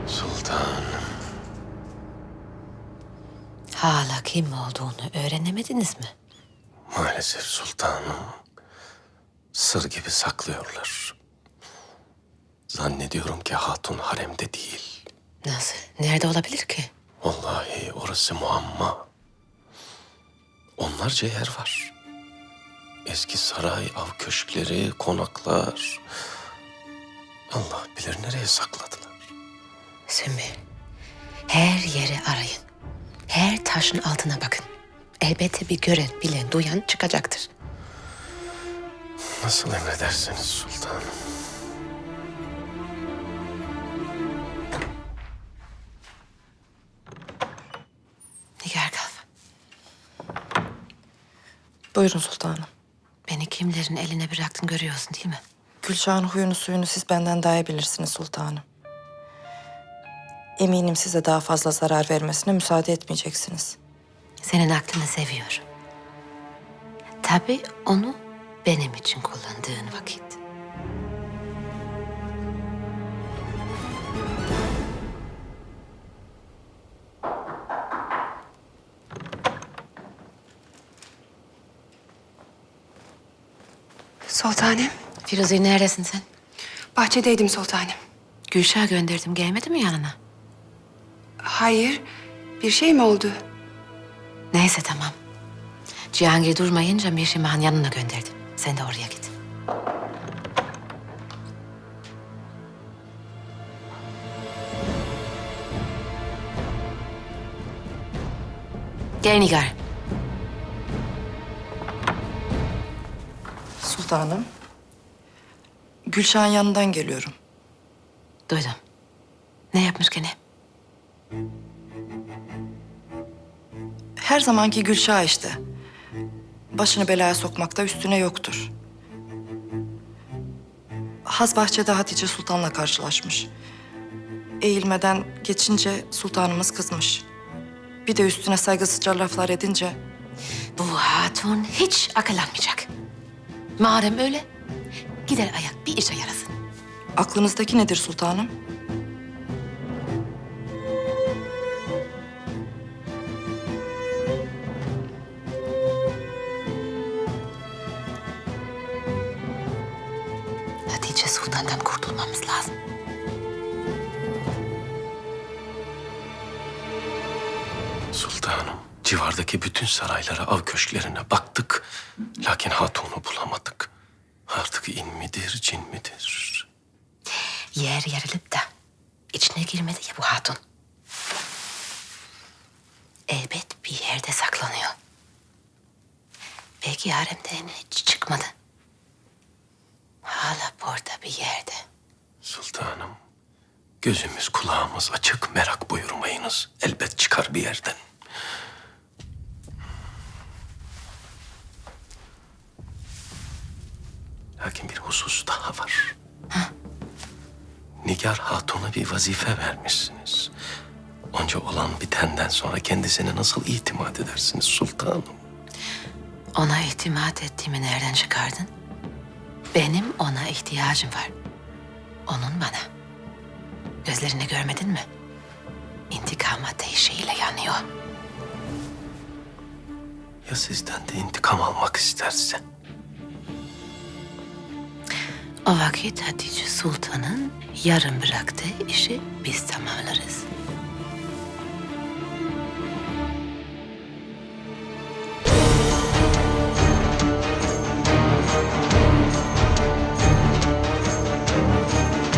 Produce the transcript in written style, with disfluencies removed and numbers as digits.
Sultanım. Hala kim olduğunu öğrenemediniz mi? Maalesef sultanım. Sır gibi saklıyorlar. Zannediyorum ki hatun haremde değil. Nasıl? Nerede olabilir ki? Vallahi orası muamma. Onlarca yer var. Eski saray, av köşkleri, konaklar. Allah bilir nereye sakladılar. Sümbül, her yeri arayın. Her taşın altına bakın. Elbette bir gören, bilen, duyan çıkacaktır. Nasıl emredersiniz sultanım. Nigar Kalfa, Buyurun sultanım. beni kimlerin eline bıraktın görüyorsun değil mi? Gülşah'ın huyunu suyunu siz benden daha iyi bilirsiniz sultanım. Eminim size daha fazla zarar vermesine müsaade etmeyeceksiniz. Senin aklını seviyorum. Tabii onu benim için kullandığın vakit. Sultanım, Firuze neredesin sen? bahçedeydim sultanım. Gülşah gönderdim gelmedi mi yanına? Hayır, bir şey mi oldu? Neyse tamam. Cihangir durmayınca Mirşimah'ın yanına gönderdim. Sen de oraya git. Gel Nigar. Sultanım. Gülşah'ın yanından geliyorum. Duydum. Ne yapmış gene? Her zamanki Gülşah işte. Başını belaya sokmakta üstüne yoktur. Haz bahçede Hatice Sultan'la karşılaşmış. Eğilmeden geçince sultanımız kızmış. Bir de üstüne saygısızca laflar edince Bu hatun hiç akıllanmayacak. Madem öyle, gider ayak bir işe yarasın. aklınızdaki nedir sultanım? Hatice Sultan'dan kurtulmamız lazım. Sultanım, civardaki bütün saraylara, av köşklerine baktık. Lakin hatunu bulamadık. Artık in midir, cin midir? Yer yarılıp da içine girmedi ya bu hatun. Elbet bir yerde saklanıyor. Belki haremden hiç çıkmadı. Hala burada bir yerde. Sultanım, gözümüz kulağımız açık, merak buyurmayınız. Elbet çıkar bir yerden. Lakin bir husus daha var. Nigar Hatun'a bir vazife vermişsiniz. Onca olan bitenden sonra kendisine nasıl itimat edersiniz sultanım? Ona itimat ettiğimi nereden çıkardın? Benim ona ihtiyacım var. Onun bana. Gözlerini görmedin mi? İntikam ateşiyle yanıyor. Ya sizden de intikam almak isterse? O vakit Hatice Sultan'ın yarım bıraktığı işi biz tamamlayacağız.